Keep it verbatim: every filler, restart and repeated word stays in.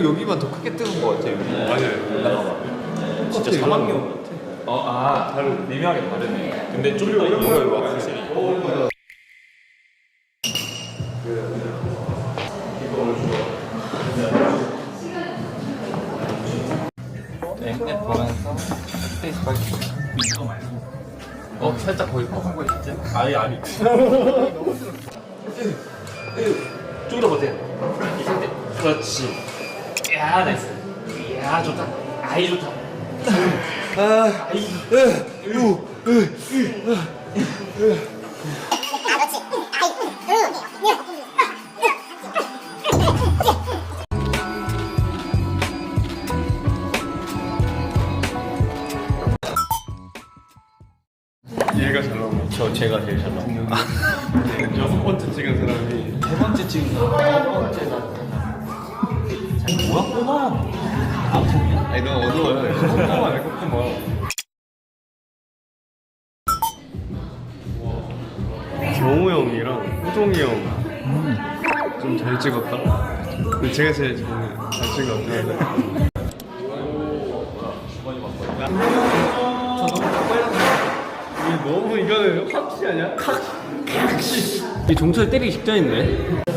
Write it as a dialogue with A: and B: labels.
A: 오히려 여기만 더 크게 뜨는 것 같아. 여기.
B: 맞아요.
A: 나가봐.
C: 진짜 사막여우 같아.
A: 어, 아, 다른 미묘하게 다르네. 근데 좀 더 이거 확실히. 네, 보면서 스페이스바 이거 말고. 어, 살짝 거의 퍽한 거 있지? 아니 아니.
C: 좀 더 버텨. 이 상태. 그렇지. 야, 나이스. 야, 좋다. 아이 좋다.
A: 아,
C: 아이.
A: 으, 으,
B: 얘가 잘 나온 거.
A: 저 제가 제일 잘 나온 거.
B: 여섯 번째 찍은 사람이
A: 세 번째 찍은 사람 첫 번째가 뭐야 꼬마? 아니 너무 어두워요.
B: 꼼꼼하네 꼼꼼하. 경우 형이랑 호종이 형 좀 잘 찍었다. 근데 제가 제일 잘, 잘 찍은 것 같아요. 이게 너무 이거는 확시 아니야?
C: 이 종철 때리기 직전인데.